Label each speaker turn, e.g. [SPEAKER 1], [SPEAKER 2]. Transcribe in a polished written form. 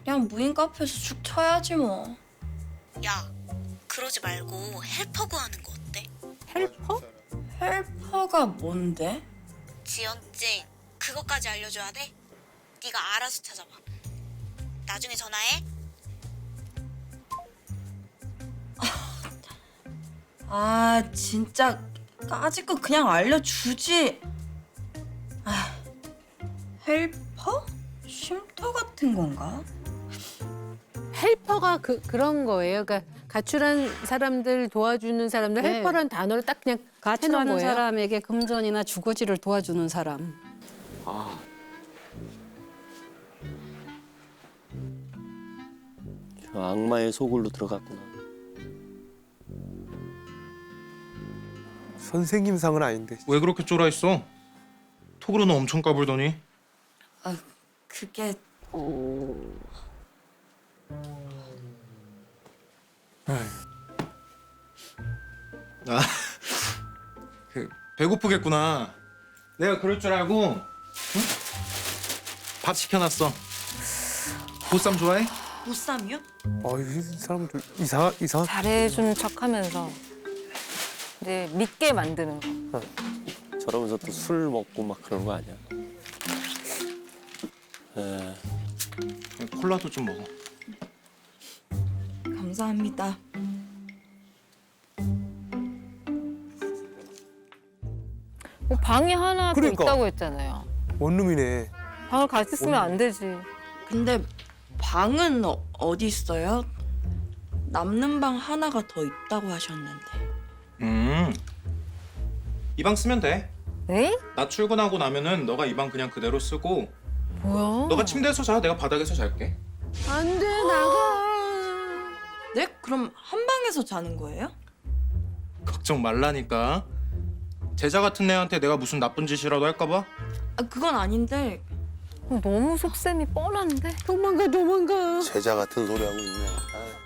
[SPEAKER 1] 그냥 무인 카페에서 축 쳐야지 뭐.
[SPEAKER 2] 야, 그러지 말고 헬퍼 구하는 거 어때?
[SPEAKER 3] 헬퍼?
[SPEAKER 1] 헬퍼가 뭔데?
[SPEAKER 2] 지연증 그것까지 알려줘야 돼? 네가 알아서 찾아봐. 나중에 전화해.
[SPEAKER 1] 아 진짜 까짓 거 그냥 알려주지. 아, 헬퍼? 쉼터 같은 건가?
[SPEAKER 3] 헬퍼가 그런 거예요. 그러니까 가출한 사람들 도와주는 사람들
[SPEAKER 4] 네.
[SPEAKER 3] 헬퍼라는 단어를 딱 그냥 해놓은
[SPEAKER 4] 가출하는
[SPEAKER 3] 거예요.
[SPEAKER 4] 사람에게 금전이나 주거지를 도와주는 사람.
[SPEAKER 5] 아. 저 악마의 소굴로 들어갔구나.
[SPEAKER 6] 선생님상은 아닌데.
[SPEAKER 7] 왜 그렇게 쫄아 있어? 톡으로는 엄청 까불더니.
[SPEAKER 1] 아 그게
[SPEAKER 7] 아, 배고프겠구나. 내가 그럴 줄 알고 응? 밥 시켜놨어. 보쌈 좋아해?
[SPEAKER 1] 보쌈이요?
[SPEAKER 6] 이 사람 좀 이상.
[SPEAKER 8] 잘해주는 척하면서 이제 믿게 만드는 거.
[SPEAKER 5] 저러면서 또 술 먹고 막 그런 거 아니야? 에,
[SPEAKER 7] 콜라도 좀 먹어.
[SPEAKER 1] 감사합니다.
[SPEAKER 8] 뭐 방이 하나 더
[SPEAKER 6] 그러니까.
[SPEAKER 8] 있다고 했잖아요.
[SPEAKER 6] 원룸이네.
[SPEAKER 8] 방을 같이 쓰면 안 되지.
[SPEAKER 1] 근데 방은 어디 있어요? 남는 방 하나가 더 있다고 하셨는데.
[SPEAKER 7] 이 방 쓰면 돼.
[SPEAKER 8] 네?
[SPEAKER 7] 나 출근하고 나면은 너가 이 방 그냥 그대로 쓰고
[SPEAKER 8] 뭐야?
[SPEAKER 7] 너가 침대에서 자. 내가 바닥에서 잘게.
[SPEAKER 3] 안 돼, 나가.
[SPEAKER 1] 네? 그럼 한 방에서 자는 거예요?
[SPEAKER 7] 걱정 말라니까. 제자 같은 애한테 내가 무슨 나쁜 짓이라도 할까 봐?
[SPEAKER 1] 아 그건 아닌데
[SPEAKER 8] 너무 속셈이 뻔한데?
[SPEAKER 3] 도망가.
[SPEAKER 9] 제자 같은 소리 하고 있네. 아유.